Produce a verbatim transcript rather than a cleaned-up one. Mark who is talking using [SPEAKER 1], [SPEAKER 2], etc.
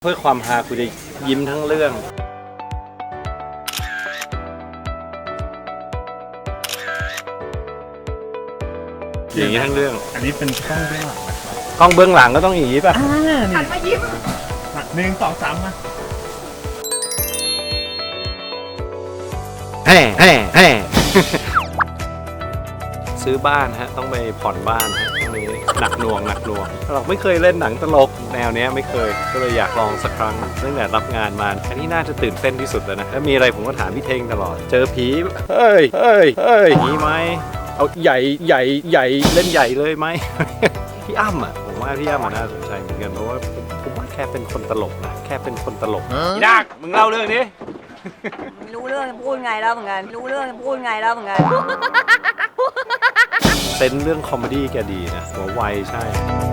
[SPEAKER 1] เพื่อความฮาคุณจะยิ้มทั้งเรื่องอย่างนี้ทั้งเรื่อง
[SPEAKER 2] อันนี้เป็นกล้องเบื้องหลังนะครับ
[SPEAKER 1] กล้องเบื้องหลังก็ต้องอย่างนี้ป่ะ
[SPEAKER 2] อ่า
[SPEAKER 3] หั
[SPEAKER 2] นี่
[SPEAKER 3] นมายิ้ม
[SPEAKER 2] หนึ่งสองสามมา
[SPEAKER 1] แห่แห่แห่ ซื้อบ้านฮะต้องไปผ่อนบ้านฮะตรงนี้หนักหน่วงหนักหน่วงเราไม่เคยเล่นหนังตลกแนวเนี้ยไม่เคยก็เลยอยากลองสักครั้งตั้งแต่รับงานมาอันนี้น่าจะตื่นเต้นที่สุดแล้วนะถ้ามีอะไรผมก็ถามพี่เท่งตลอดเจอผีเฮ้ยเฮ้ยเฮ้ยมีไหมเอาใหญ่ใหญ่ใหญ่เล่นใหญ่เลยไหม พี่อ้ำอ่ะผมว่าพี่อ้ำน่าสนใจเหมือนกันเพราะว่าผมผมว่าแค่เป็นคนตลกนะแค่เป็นคนตลกพี่ดักมึงเล่าเรื่องนี้
[SPEAKER 3] ไม่รู้เรื่องจะพูดไงแล้วเหมือนกันรู้เรื่องจะพูดไงแล้วเหมือนกัน
[SPEAKER 1] เซนส์เรื่องคอมเมดี้แกดีนะหัวไวใช่